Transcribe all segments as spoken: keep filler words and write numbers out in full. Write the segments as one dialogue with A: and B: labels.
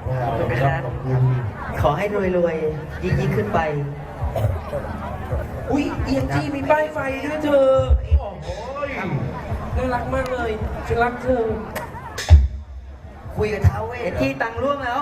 A: ขอบคุณขอให้รวยๆยิ่งยิ่งขึ้นไป
B: อุ้ยเอียงจี้มีป้ายไฟด้วยเธอโอ้โหน่ารักมากเลยฉันรักเธอ
A: คุยกับท้าวเวทที่ตังร่วงแล้ว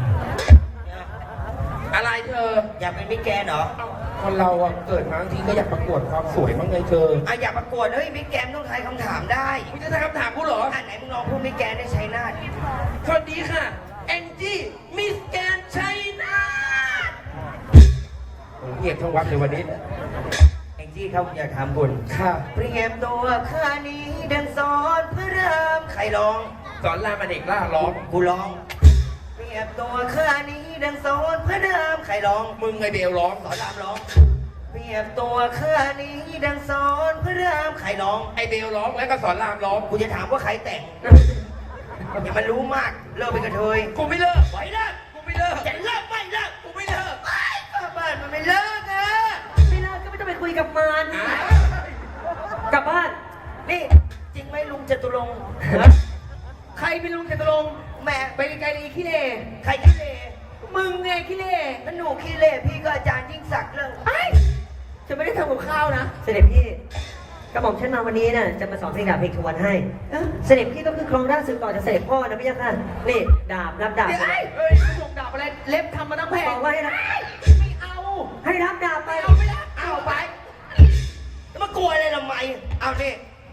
B: อะไรเธอ
A: อยากเป็นมิสแกรนด์เหรอ
B: คนเราอะเกิดมาบางทีก็อยากประกวดความสวยบ้างไงเธอ
A: อ่ะอยากประกวดเฮ้ยมิสแกรนด์ต้องทายคำถามได้
B: มึงจะทายคำถามกูเหรอ
A: อ่ะไหนมึงลองพูดมิสแกรนด์ได้ชัยนาท
B: สวัสดีค่ะแองจี้มิสแกรนด์ชัยนาทเงียบทั้งวัดเลยวันนี้
A: แองจี้ครับอยากถามคุณค่ะเปรียบตัวข้านี้ดังสอนพระรามใครร้อง
B: สอนรามอเนกล่าร้อง
A: กูร้องเปรียบตัวข้านี้ดังสอนพระรามใครร้อง
B: มึงไงเบลร้อง
A: สอนรามร้องเปรียบตัวข้านี้ดังสอนพระรามใครร้อง
B: ไอเบลร้องแล้วก็สอนรามร้อง
A: กูจะถามว่าใครแต่งอย่ามันรู้มากเลิกไปกับเธอ
B: กูไม่เลิกไหวเลิกกูไม่เลิก
A: จะเลิกไม่เลิก
B: กูไม่เลิก
A: ไอ้บ้านมันไม่เลิกอะไม่เลิกก็ไม่ต้องไปคุยกับมันกลับบ้านนี่จริงไหมลุงจตุรงค์ใครเป็นลุงจตุรงค์แม่ไปไกลๆเลยขี้เล่ใครขี้เล่มึงไงขี้เล่นั่นหนูขี้เล่พี่ก็อาจารย์ยิ่งศักดิ์เรื่องไอ้ฉันไม่ได้ทำกับข้าวนะเสด็จพี่กระหม่อมฉันมาวันนี้น่ะจะมาสอนเพลงดาบเพลงทวนให้เสด็จพี่ก็คือครองราชสืบต่อจากเสด็จพ่อนะพี่ยักษ์ค่ะนี่ดาบรับดาบ
B: เฮ้ยส่งดาบอะไรเล็บทำมาตั้งแพง
A: บอกว่าให้นะ
B: ไม่เอา
A: ให้รับดาบไป
B: เอาไม่ได้เอาไป
A: แล้วมากลัวอะไรทำไมเอาดิ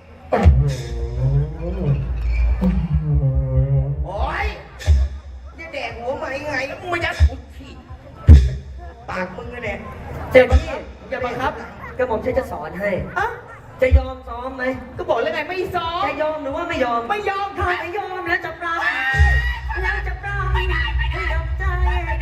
A: โอ้ยจะแดกหัวไหมไง
B: แล้วมึงมายัดกูขี้
A: ปากมึงนะเนี่ยเสด็จพี่อย่าบังคับกระหม่อมฉันจะสอนให้อะจะยอมซ้อมไหม
B: ก็บอกแล้วไงไม่ซ้อม
A: จะยอมหรือว่าไม่ยอม
B: ไม่ยอม
A: ถ้าไม่ยอมแล้วจะปราบแล้วจะปราบให้ดำใจ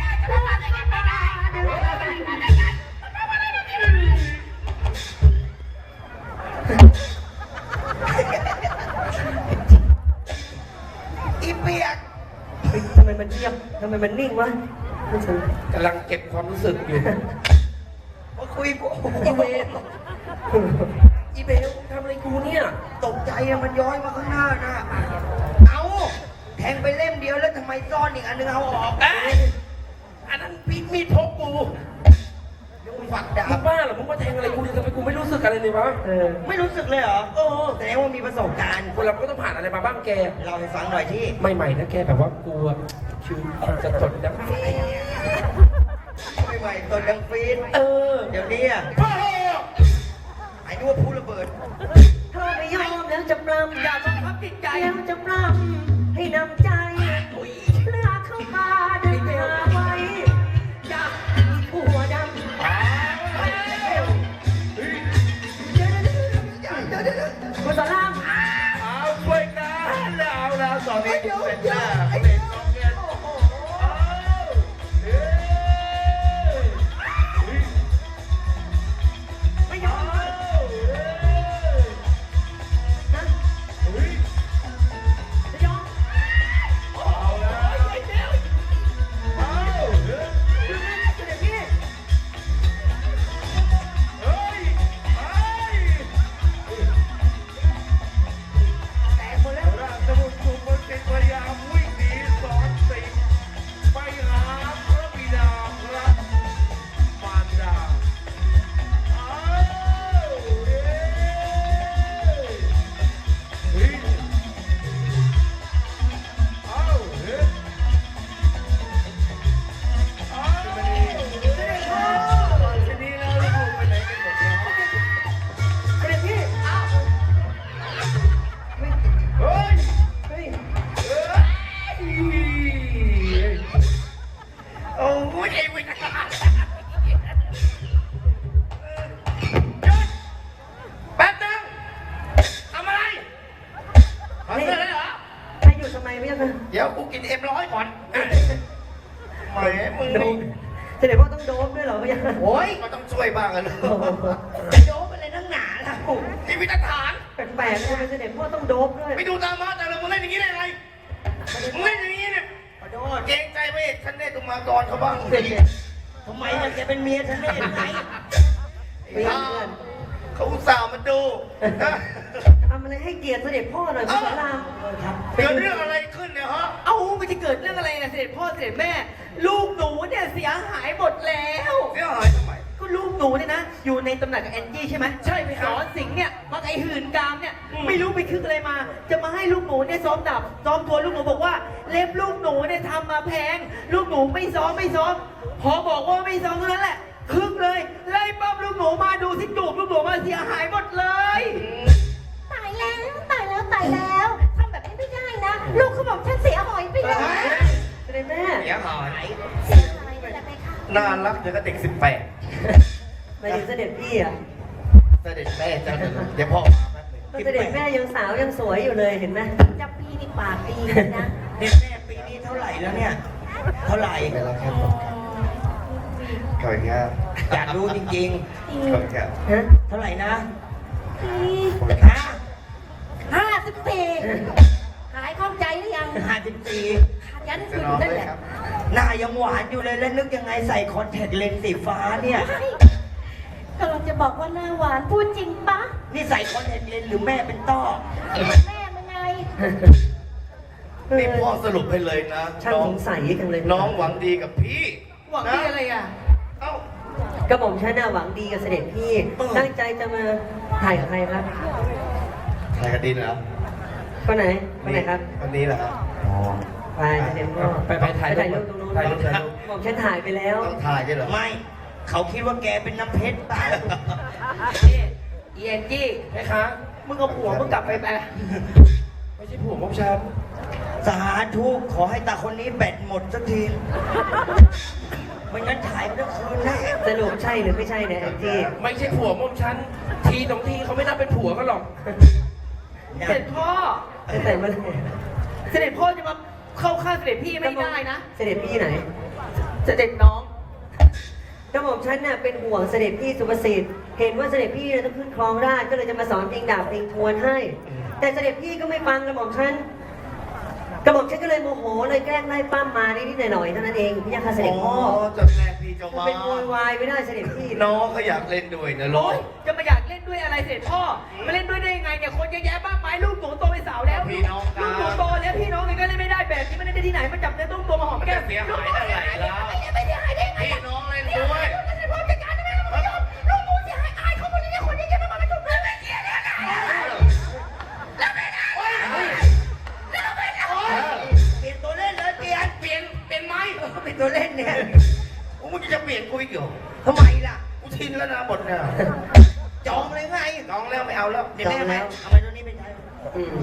A: อีเปียกทำไมมันเงียบทำไมมันนิ่งวะ
B: กำลังเก็บความรู้สึกอยู่
A: มาคุยกูอีเวล
B: อีเบลทำอะไรกูเนี่ย
A: ตกใจอะมันย้อยมาข้างหน้านะเอาแทงไปเล่มเดียวแล้วทำไมซ่อนอีกอันนึงเอาออก
B: อันนั้นพีดมีดพกกู
A: ยังมึงฝักดาบ
B: บ้าเหรอมึงมาแทงอะไรกูเนี่ยทำไมกูไม่รู้สึกอะไรเลยวะ
A: ไม่รู้สึกเลยเหรอ
B: เออ
A: แสดงว่ามีประสบการณ์
B: คนเราก็ต้องผ่านอะไรมาบ้างแก
A: เราให้ฟังหน่อยที่
B: ใหม่ๆนะแกแบบว่ากูชื่อจะจดนะ
A: ใหม่ๆตัวดังฟีน
B: เออ
A: เดี๋ยวนี้อะไอ้นึกว่าพูดระเบิดเธอไม่ยอมแล้วจะปรำ
B: อย่าบังคับจิตใจ
A: แล้วจะปรำให้นำใจเลือกเข้ามาเดินหาไว้จะหัวดำคุณสอนราม
B: เอาช่วยกันแล้วแล้วตอนนี้เป็นหน้า
A: เดี๋ยวกูกินเอ็มร้อยก่อนแหมมึงนี่แสดงว่าต้องโดบด้วยเหรอพี่โอ้ยก็ต้องช่วยบ้างกันเลยจะโดบอะไรทั้งหนาล่ะ
B: มีวิธีฐาน
A: แปลกๆเลยแสดงว่าต้องโดบด้วย
B: ไปดูตามมาแต่เรามึงเล่นอย่างนี้ได้ไงมึงเล่นอย่างนี้เนี่ย
A: ขอโทษ
B: เกรงใจไม่ฉันได้ตุมากรเขาบ้าง
A: ทำไมมันจะเป็นเมียฉันได้ยังไงเพื่อน
B: เขาอุตส่าห์มาดู
A: ทำอะไรให้เกียรติเสด็จพ่อหน่อยคุณสอนราม
B: เกิดเรื่องอะไรขึ้นใน
C: เนี่ยฮะ
A: เอ้ามันจะเกิดเรื่องอะไรนะเสด็จพ่อเสด็จแม่ ลูกหนูเนี่ยเสียหายหมดแล้ว
C: เสียหายทำไม
A: ก็ลูกหนูเนี่ยนะ อยู่ในตำหนักกับแอนจี้ใช่ไหม
B: ใช่ไหมค
A: ส
B: รับ
A: อนสิงห์เนี่ยมาไอหื่นกามเนี่ย
B: อืม
A: ไม่รู้ไปคึกอะไรมา จะมาให้ลูกหนูเนี่ยซ้อมดับซ้อมตัวลูกหนูบอกว่าเล็บลูกหนูเนี่ยทำมาแพง ลูกหนูไม่ซ้อมไม่ซ้อม พอบอกว่าไม่ซ้อมเท่านั้นแหละคึกเลยไล่ปั๊บลูกหนูมาดูสิจูบลูกหนูมาเสียหายหมดเลย
D: ตายแล้วตายแล้วตายแล้วทำแบบนี้ไม่ได้นะ ลูกเขาบอกฉันเสียหอยไปแล้ว
A: เสด็จแม่
C: เสียหาย
D: เสียหายอะไรไปคะ
C: น่ารักเดี๋ยวก็เด็กสิบแปด
A: ไปถึงเสด็จพี่อ่ะ
C: เสด็จแม่เจ้าเดี๋ยวพ่อมาแป๊บหนึง
A: ก็เสด็จแม่ยังสาวยังสวยอยู่เลยเห็นไหม
D: จะปีนี่ปากดีเลยนะ
E: เด็กแม่ปีนี้เท่าไหร่แล้วเนี่ย เท่าไหร่
C: ไปแล้วครับผมขอบคุณครับ
E: อยากรู้จริง
C: ขอบคุณครับ
A: ฮะ
E: ๆ เท่าไหร่นะ
D: ปี
E: ฮะ
D: ห้าสิบสี่หายเข้าใจหรือยัง
E: ห้าสิบสี่
D: ขาดยัน
C: จะ
D: ขึ้น
C: นอน
D: นั่น
C: เล
D: แห
C: ย
D: ละ
C: ครับ
E: หน้ายังหวานอยู่เลยแล้วนึกยังไงใส่คอนแทคเลนส์สีฟ้าเนี่ย
D: ใช่กำลังจะบอกว่าหน้าหวานพูดจริงปะ
E: นี่ใส่คอนแทคเลนส์หรือแม่เป็นต้อ
D: แม่มันไง
C: นี่พ่อสรุปให้เลยนะ
A: ช่าง
C: น้อ
A: ส
C: ง
A: งสัยจังเลย
C: น้องหวังดีกับพี่
A: หวังดีอะไรอ่ะ
C: เอ้าก
A: ระหม่อมฉันน่ะหวังดีกับเสด็จพี่ ตั้งใจจะมาถ่ายกับใครครับ
C: ใครกันดินเหรอ
A: คนไหนคนไหนครับ
C: คนนี้เหรอครับอ๋อ
A: ไปเสด็จพ่อ
B: ไปไปถ่ายรูป
A: ถ่ายรูปตรงนู้น
B: ถ่ายรูปถ่ายรูป
A: หม่อมฉันถ่ายไปแล้ว
C: ต้องถ่ายใช่เหรอ
E: ไม่ เขาคิดว่าแกเป็นน้ำเพชรเปล่า
A: นี่อีแอนจี้
B: ไหมคะ
A: มึงเอาผัวมึงกลับไปไป
B: ไม่ใช่ผัวของฉัน
E: สาธุขอให้ตาคนนี้แบตหมดสักทีไม่งั้นถ่ายไม่ได้คืนแน่
A: สรุปใช่หรือไม่ใช่เนี่ยแอนจี้
B: ไม่ใช่ผัวของฉัน ทีสองทีเขาไม่นับเป็นผัวกันหรอก
A: เสด็จพ่อจะแต่เมื่อไหร่เสด็จพ่อจะมาเข้าข้างเสด็จพี่ไม่ได้นะ เสด็จพี่ไหน เสด็จน้องกระหม่อมฉันน่ะเป็นห่วงเสด็จพี่สุภสิทธิ์ เห็นว่าเสด็จพี่เนี่ยต้องขึ้นครองราชย์ก็เลยจะมาสอนเพลงดาบเพลงทวนให้ แต่เสด็จพี่ก็ไม่ฟังกระหม่อมฉัน กระหม่อมฉันก็เลยโมโหเลยแกล้งไล่ปั้มมานิดๆหน่อยๆเท่านั้นเองพี่ยังค่ะเสด็จพ่อ
C: จะแกล้งพี่เจ้ามา
A: เป็นโวยวายไม่ได้เสด็จพี่
C: น้องเขาอยากเล่นด้วยนะลู
A: โอ๊
C: ก
A: ยจะมาอยากเล่นด้วยอะไรเสด็จพ่อมาเล่นด้วยได้ยังไงเนี่ยคนเยอะแยะมากมายลูกหนูโตเป็นสาวแล้ว
C: พี่น้องกัน
A: ลูกหนูโตแล้วพี่น้องกันก็เล่นไม่ได้แบบนี้มันเล่นได้ที่ไหนมาจับเนื้อต้องตัวมาหอมแก้ม
C: เสียหายอะไรแล้ว
A: ไม่ได้หายได้ไง
C: พี่น้องเล่นด้วย
A: เสด็จพ่อจัดการได้ไหมลูกไม่ยอมลูกหนูเสียหายอายเขาหมดเลยเนี่ยคนเยอะแยะมากมายมาจุบเนื้อไม่เกี่ยวเนี่ยนะแล้วไม่ได้แล้วไม่ได้
E: เปลี่ยนตัวเล่นเลยเปลี่ยน
C: เปลี่ยนเปลี่ยนไหม
E: เปลี่ยนตัวเล่นเนี่ย
C: โอ้มึงจะเปลี่ยนกูอีกเหรอ
E: ทำไมล่ะ
C: กูชินแล้วนะบทเนี่ย
E: จองเลยไง
C: น้องแล้วไม่เอาแล้ว
E: เดี๋ยวแม่ไหมเอาไปตัวนี้ไปใช้
A: อืม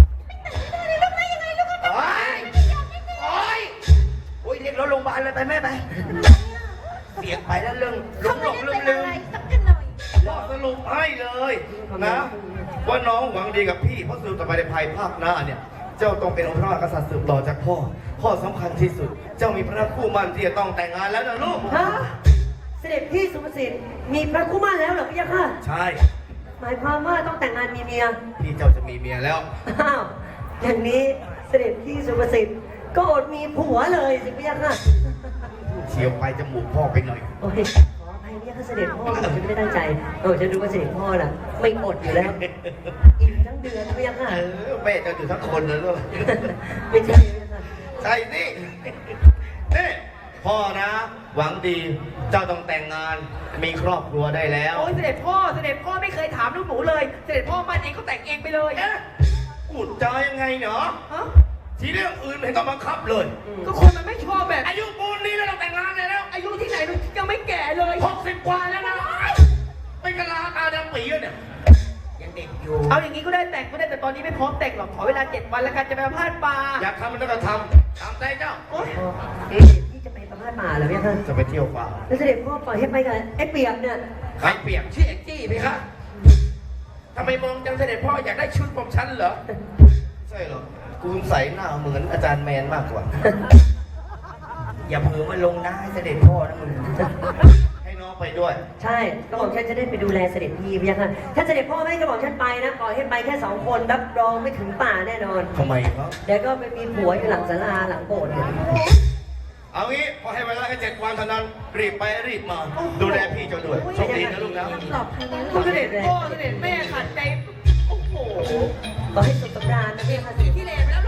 C: โอ้ยโอ้ย
E: โอ้ยเรียกรถโรงพยาบาลเลยไปแม่ไป เสียงไปแล้วเรื่องหล
D: เขา
E: งหล
D: ไม่
E: ง
D: ได้
E: ลื
D: เป็น
E: ม
D: อะ
E: ลื
D: ไร
E: ม
D: สักกันหน่อย
C: บอกสรุปให้เลยนะ ว่าน้องหวังดีกับพี่เพราะสืบต่อไปในภายภาคหน้าเนี่ย เจ้าต้องเป็นองค์พระมหากษัตริย์สืบต่อจากพ่อ พ่อสำคัญที่สุด เจ้ามีพระคู่มั่นที่จะต้องแต่งงานแล้วนะลูก
A: ฮะเสด็จพี่สุภสิทธิ์มีพระคู่มั่นแล้วเหรอพี่ยังค่ะ
C: ใช่
A: หมายความว่าต้องแต่งงานมีเมีย
C: พี่เจ้าจะมีเมียแล้ว
A: อ้าว อย่างนี้เสด็จพี่สุภสิทธิ์ก็อดมีผัวเลยสิพี่ยักษ์ค่ะ
C: เฉียวไปจมูกพ่อไปหน่อย
A: โอ้ยขออภัยพี่ยักษ์ค่ะเสด็จพ่อผมไม่ได้ตั้งใจโอ้ฉันรู้ว่าเสด็จพ่อน่ะ ไม่อดอยู่แล้ว อิ่มทั้งเดือนพี่ยักษ์ค่ะ
C: เออแม่เจ้าอยู่ทั้งคนเลยลูก
A: ไม่ใช่พี่ยักษ์ค่ะ
C: ใช่นี่นี่พ่อนะ หวังดี เจ้าต้องแต่งงาน มีครอบครัวได้แล้ว
A: โอ้ยเสด็จพ่อ เสด็จพ่อไม่เคยถามลูกหนูเลย เสด็จพ่อมันเองก็แต่งเองไปเลย
C: เอ๊ะพูดจายังไงเนาะ
A: ฮะ
C: ทีเรื่องอื่นไม่ต้องบังคับเลย
A: ก็คนมันไม่ชอบแบบ
C: อายุปูนนี้แล้วเราแต่งงานเลยแล้ว
A: อายุที่ไหนลูกยังไม่แก่เลย
C: หกสิบกว่าแล้วนะไม่กะลาตาดำปีแล้วเนี่ย
E: ยังเด็กอยู่
A: เอาอย่างนี้ก็ได้แต่งก็ได้แต่ตอนนี้ไม่พร้อมแต่งหรอกขอเวลาเจ็ดวันแล้วกันจะไปประพาสป่า
C: อยากทำมันก็ทำตามใจเจ้า
A: โอ๊ยพี่จะไปประพาสป่าเหรอพี่ยักษ์ค่ะ
C: จะไปเที่ยวป่า
A: แล้วเสด็จพ่อปล่อยให้ไปกับไอ้เปียกเนี่ย
C: ใครเปรียบ
B: ชื่อเอ็กจี้ไหมคะทำไมมองจังเสด็จพ่ออยากได้ชุดของฉันเหรอ
C: ใช่หรอกูสงสัยหน้าเหมือนอาจารย์แมนมากกว่า
E: อย่าเผลอมาลงหน้าให้เสด็จพ่อนะมึง
C: ให้น้องไปด้วย
A: ใช่กระบอกฉันจะได้ไปดูแลเสด็จพี่พี่ยักษ์ค่ะถ้าเสด็จพ่อไม่ให้กระบอกฉันไปนะปล่อยให้ไปแค่สองคนรับรองไม่ถึงป่าแน่นอน
C: ทำไมครับ
A: เดี๋ยวก็ไปมีผัวอยู่หลังศาลาหลังโบสถ์เนี่ย
C: เอางี้พอให้เวลาแค่เจ็ดวันเท่านั้น รีบไปรีบมา ดูแลพี่เจ้าด้วยโชคดีนะลูกนะ
D: ปลอบภัยนะลู
A: คุณ
D: ก
A: เสด็จพ่อเสด็จแม่ขัดใจ โอ้โหขอให้สุขสำราญนะพี่ยักษ์ค่ะ
B: ที่เลวแล้ว